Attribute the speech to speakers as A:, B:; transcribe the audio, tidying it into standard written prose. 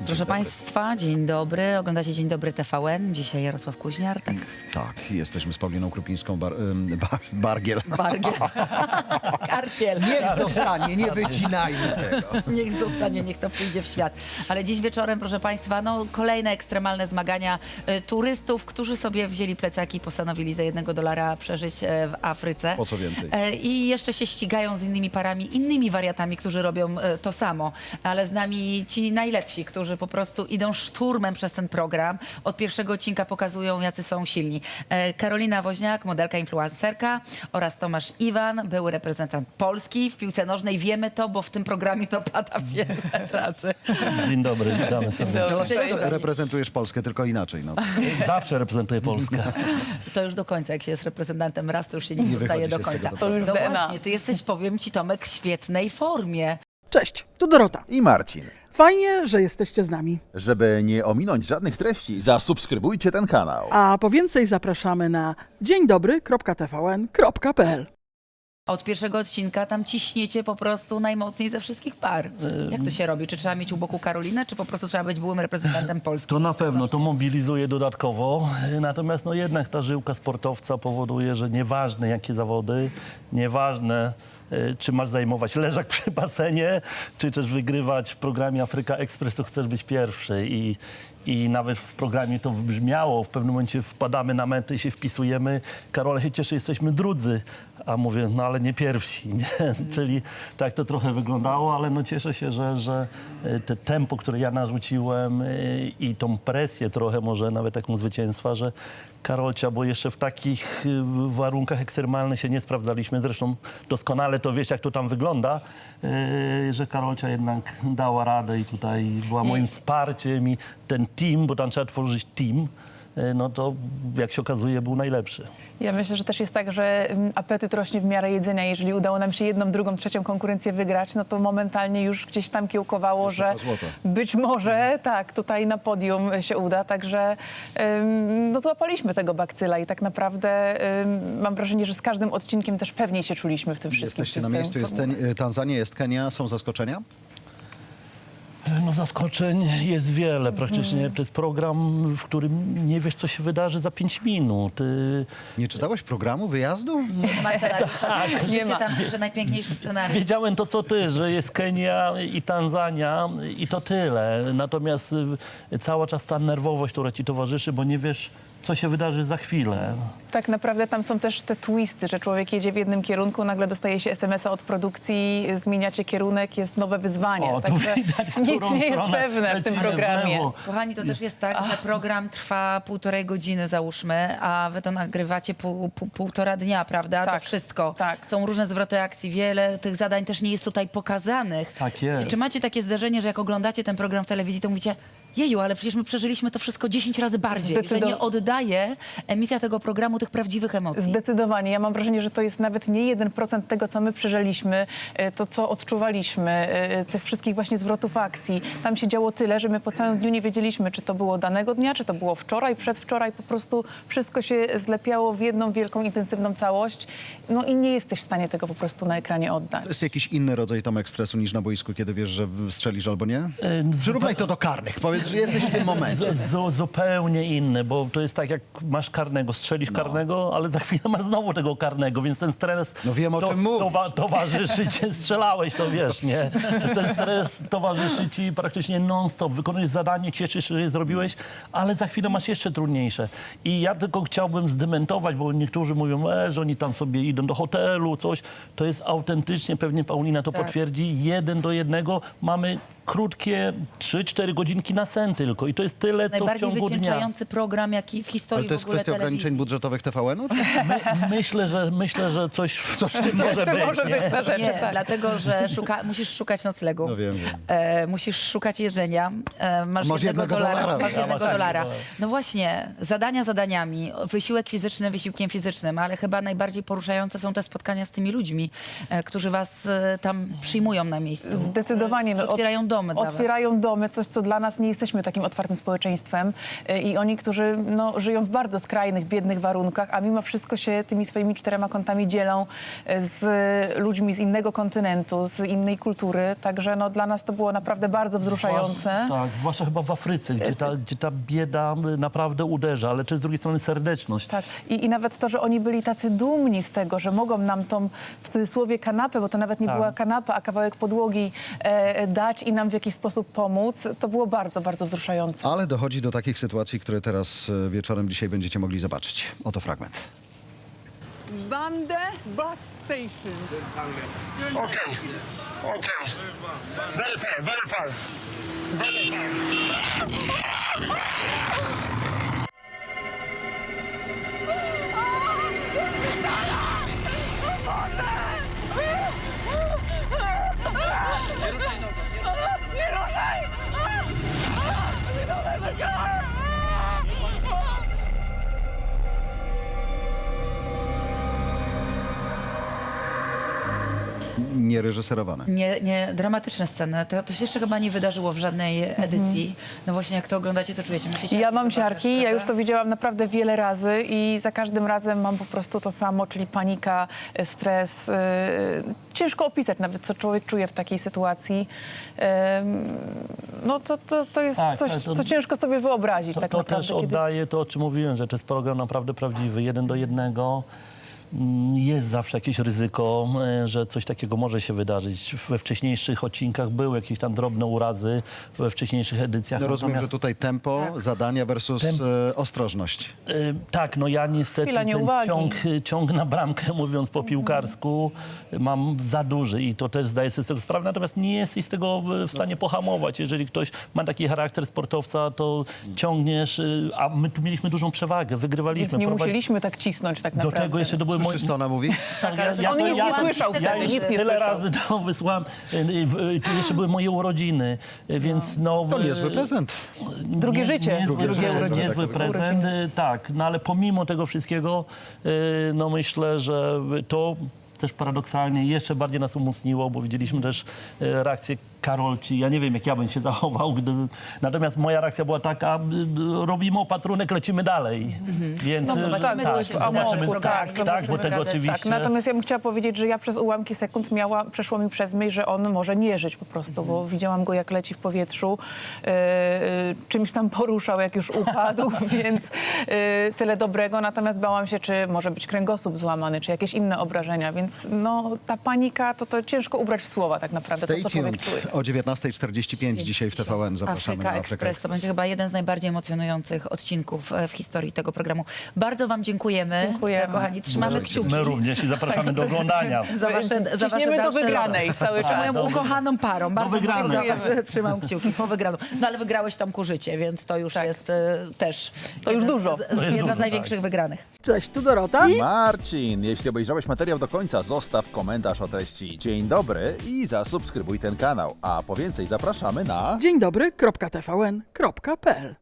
A: Proszę Państwa, dzień dobry. Oglądacie Dzień Dobry TVN. Dzisiaj Jarosław Kuźniar. Tak.
B: Tak, jesteśmy z Pauliną Krupińską, Bargiel.
A: Bargiel. Karpiel.
B: Niech zostanie, nie wycinajmy tego.
A: Niech zostanie, niech to pójdzie w świat. Ale dziś wieczorem, proszę Państwa, no kolejne ekstremalne zmagania turystów, którzy sobie wzięli plecaki i postanowili za $1 przeżyć w Afryce.
B: Po co więcej?
A: I jeszcze się ścigają z innymi parami, innymi wariatami, którzy robią to samo. Ale z nami ci najlepsi, którzy po prostu idą szturmem przez ten program. Od pierwszego odcinka pokazują, jacy są silni. Karolina Woźniak, modelka, influencerka, oraz Tomasz Iwan, były reprezentant Polski w piłce nożnej. Wiemy to, bo w tym programie to pada wiele razy.
C: Dzień dobry, witamy serdecznie.
B: Dlaczego reprezentujesz Polskę, tylko inaczej? No.
C: Zawsze reprezentuję Polskę.
A: To już do końca, jak się jest reprezentantem raz, to już się nie zostaje
B: wychodzi
A: do
B: się z
A: końca.
B: tego, to
A: No
D: prawda.
A: właśnie, ty jesteś, powiem ci, Tomek, w świetnej formie.
E: Cześć, tu Dorota.
F: I Marcin.
E: Fajnie, że jesteście z nami.
F: Żeby nie ominąć żadnych treści, zasubskrybujcie ten kanał.
E: A po więcej zapraszamy na dzieńdobry.tvn.pl.
A: Od pierwszego odcinka tam ciśniecie po prostu najmocniej ze wszystkich par. Jak to się robi? Czy trzeba mieć u boku Karolinę, czy po prostu trzeba być byłym reprezentantem Polski?
C: To na pewno, to mobilizuje dodatkowo. Natomiast no jednak ta żyłka sportowca powoduje, że nieważne jakie zawody, nieważne czy masz zajmować leżak przy basenie, czy też wygrywać w programie Afryka Express, to chcesz być pierwszy. I nawet w programie to wybrzmiało. W pewnym momencie wpadamy na metę i się wpisujemy. Karola się cieszy, jesteśmy drudzy. A mówię, no ale nie pierwsi. Nie? Czyli tak to trochę wyglądało, ale no cieszę się, że te tempo, które ja narzuciłem i tą presję trochę może nawet taką zwycięstwa, że Karolcia, bo jeszcze w takich warunkach ekstremalnych się nie sprawdzaliśmy. Zresztą doskonale to wiesz, jak to tam wygląda, że Karolcia jednak dała radę i tutaj była moim wsparciem i ten team, bo tam trzeba tworzyć team, no to jak się okazuje był najlepszy.
D: Ja myślę, że też jest tak, że apetyt rośnie w miarę jedzenia. Jeżeli udało nam się jedną, drugą, trzecią konkurencję wygrać, no to momentalnie już gdzieś tam kiełkowało, że
B: złoto.
D: być może tak, tutaj na podium się uda. Także no złapaliśmy tego bakcyla i tak naprawdę mam wrażenie, że z każdym odcinkiem też pewniej się czuliśmy w tym wszystkim.
B: Jesteście na miejscu, jest Tanzania, jest Kenia, są zaskoczenia?
C: No zaskoczeń jest wiele. Praktycznie to jest program, w którym nie wiesz, co się wydarzy za 5 minut.
B: Nie czytałeś programu wyjazdu?
A: Ma scenariusza.
D: Nie
A: Życie
D: ma.
A: tam pisze najpiękniejszy scenariusz.
C: Wiedziałem to, co ty, że jest Kenia i Tanzania i to tyle. Natomiast cały czas ta nerwowość, która ci towarzyszy, bo nie wiesz, co się wydarzy za chwilę.
D: Tak naprawdę tam są też te twisty, że człowiek jedzie w jednym kierunku, nagle dostaje się SMS-a od produkcji, zmieniacie kierunek, jest nowe wyzwanie.
C: O, tu
D: Także
C: widać, w
D: nic
C: którą
D: nie jest
C: stronę
D: pewne w tym
C: lecimy w
D: programie.
C: lewo.
A: Kochani, to też jest tak, że program trwa 1,5 godziny, załóżmy, a wy to nagrywacie półtora dnia, prawda?
D: Tak,
A: To wszystko.
D: tak.
A: Są różne zwroty akcji, wiele tych zadań też nie jest tutaj pokazanych.
C: Tak jest.
A: I czy macie takie zdarzenie, że jak oglądacie ten program w telewizji, to mówicie, jeju, ale przecież my przeżyliśmy to wszystko 10 razy bardziej, że nie oddaje emisja tego programu tych prawdziwych emocji.
D: Zdecydowanie. Ja mam wrażenie, że to jest nawet nie 1% tego, co my przeżyliśmy, to, co odczuwaliśmy, tych wszystkich właśnie zwrotów akcji. Tam się działo tyle, że my po całym dniu nie wiedzieliśmy, czy to było danego dnia, czy to było wczoraj, przedwczoraj. Po prostu wszystko się zlepiało w jedną wielką, intensywną całość. No i nie jesteś w stanie tego po prostu na ekranie oddać.
B: To jest jakiś inny rodzaj, Tomek, stresu niż na boisku, kiedy wiesz, że strzelisz albo nie? Przyrównaj to do karnych. Powiedz, że jesteś w tym momencie.
C: Zupełnie inny, bo to jest tak, jak masz karnego, strzelisz karnego, ale za chwilę masz znowu tego karnego, więc ten stres
B: No wiem, o czym mówisz.
C: towarzyszy ci, strzelałeś, to wiesz, nie? Ten stres towarzyszy ci praktycznie non-stop. Wykonujesz zadanie, cieszysz się, że je zrobiłeś, ale za chwilę masz jeszcze trudniejsze. I ja tylko chciałbym zdementować, bo niektórzy mówią, że oni tam sobie idą do hotelu, coś. To jest autentycznie, pewnie Paulina to potwierdzi, 1 do 1 mamy krótkie 3-4 godzinki na sen tylko. I to jest tyle, co w
A: Najbardziej
C: ciągu dnia.
A: wycieńczający program, jaki w historii
B: Ale to jest
A: w ogóle
B: kwestia ograniczeń
A: telewizji.
B: budżetowych TVN-u? Czy?
C: Myślę, że coś w tym może być.
D: Może
C: nie?
D: być na rzeczy,
A: Nie,
D: tak.
A: dlatego, że musisz szukać noclegu.
B: No wiem.
A: Musisz szukać jedzenia. Masz
B: Masz
A: jednego dolara.
B: $1.
A: Masz jednego
C: Tak,
A: dolara.
C: tak.
A: No właśnie, zadania zadaniami, wysiłek fizyczny wysiłkiem fizycznym, ale chyba najbardziej poruszające są te spotkania z tymi ludźmi, którzy was tam przyjmują na miejscu.
D: Zdecydowanie.
A: Otwierają domy. domy dla was.
D: Otwierają domy, coś, co dla nas nie jesteśmy takim otwartym społeczeństwem. I oni, którzy żyją w bardzo skrajnych, biednych warunkach, a mimo wszystko się tymi swoimi 4 kątami dzielą z ludźmi z innego kontynentu, z innej kultury. Także dla nas to było naprawdę bardzo wzruszające.
C: Tak, zwłaszcza chyba w Afryce, gdzie ta bieda naprawdę uderza, ale też z drugiej strony serdeczność.
D: Tak. I nawet to, że oni byli tacy dumni z tego, że mogą nam tą, w cudzysłowie, kanapę, bo to nawet nie
C: Tak.
D: była kanapa, a kawałek podłogi dać i nam w jakiś sposób pomóc, to było bardzo, bardzo wzruszające.
B: Ale dochodzi do takich sytuacji, które teraz wieczorem dzisiaj będziecie mogli zobaczyć. Oto fragment.
G: Bande bus station.
H: Okay. Very fair, very fair. Very fair.
B: Niereżyserowane.
A: Nie, dramatyczne sceny. To się jeszcze chyba nie wydarzyło w żadnej edycji. No właśnie, jak to oglądacie, co czujecie? Macie ciarki?
D: Ja mam
A: Chyba
D: ciarki,
A: też,
D: ja już
A: prawda?
D: to widziałam naprawdę wiele razy i za każdym razem mam po prostu to samo, czyli panika, stres. Ciężko opisać nawet, co człowiek czuje w takiej sytuacji. To jest
C: Tak,
D: coś,
C: to-
D: co ciężko sobie wyobrazić tak
C: To
D: naprawdę.
C: też oddaje to, o czym mówiłem, że to jest program naprawdę prawdziwy, 1 do 1. Jest zawsze jakieś ryzyko, że coś takiego może się wydarzyć. We wcześniejszych odcinkach były jakieś tam drobne urazy, we wcześniejszych edycjach.
B: No rozumiem,
C: Natomiast,
B: że tutaj tempo, zadania versus ostrożność.
C: tak, no ja niestety
D: Chwila
C: ten
D: nieuwagi.
C: ciąg na bramkę, mówiąc po piłkarsku, mam za duży i to też zdaję sobie z tego sprawę, natomiast nie jesteś z tego w stanie pohamować. Jeżeli ktoś ma taki charakter sportowca, to ciągniesz, a my tu mieliśmy dużą przewagę, wygrywaliśmy.
D: Więc nie
C: prowadzi-
D: musieliśmy tak cisnąć tak
C: Do
D: naprawdę.
C: tego jeszcze to były
B: Słyszysz, co ona mówi?
A: Tak, ale to
D: On nic nie słyszał
C: ja
D: wtedy,
C: już
D: nic nie
C: tyle
D: słyszał.
C: razy to wysłałem. Tu jeszcze były moje urodziny, więc
B: To niezły prezent.
D: Drugie życie,
C: Niezły,
D: drugie urodziny.
C: niezły prezent, tak. No ale pomimo tego wszystkiego, no myślę, że to też paradoksalnie jeszcze bardziej nas umocniło, bo widzieliśmy też reakcję Karolci. Ja nie wiem, jak ja bym się zachował, natomiast moja reakcja była taka, robimy opatrunek, lecimy dalej. Więc
A: No, zobaczymy, co się
D: w amoku,
A: zobaczymy,
D: tak,
C: tak, bo
A: zobaczymy
C: tego
A: gazecie.
C: oczywiście...
D: Tak, natomiast ja bym chciała powiedzieć, że ja przez ułamki sekund przeszło mi przez myśl, że on może nie żyć po prostu, bo widziałam go, jak leci w powietrzu, czymś tam poruszał, jak już upadł, więc tyle dobrego. Natomiast bałam się, czy może być kręgosłup złamany, czy jakieś inne obrażenia, więc ta panika, to ciężko ubrać w słowa tak naprawdę,
B: Stay
D: to co człowiek
B: tuned.
D: czuje.
B: O 19:45 dzisiaj w TVN zapraszamy
A: Afryka
B: na Afryka
A: Express. To będzie chyba jeden z najbardziej emocjonujących odcinków w historii tego programu. Bardzo wam dziękujemy.
D: Dziękujemy.
A: Kochani, trzymamy kciuki.
C: My również i zapraszamy do oglądania.
A: Za wasze
D: Ciśniemy do
A: dalsze
D: wygranej
A: losy.
D: cały
A: Z
D: czas.
A: moją
C: Do-
A: ukochaną parą. Bardzo
C: wygranej.
A: za was trzymam kciuki po wygraną. No ale wygrałeś Tomku życie, więc to już jest też...
D: To już dużo.
A: Jedna
C: dużo,
A: z największych wygranych.
E: Cześć, tu Dorota.
F: Marcin, jeśli obejrzałeś materiał do końca, zostaw komentarz o treści. Dzień dobry i zasubskrybuj ten kanał. A po więcej zapraszamy na...
E: Dzień dobry, .tvn.pl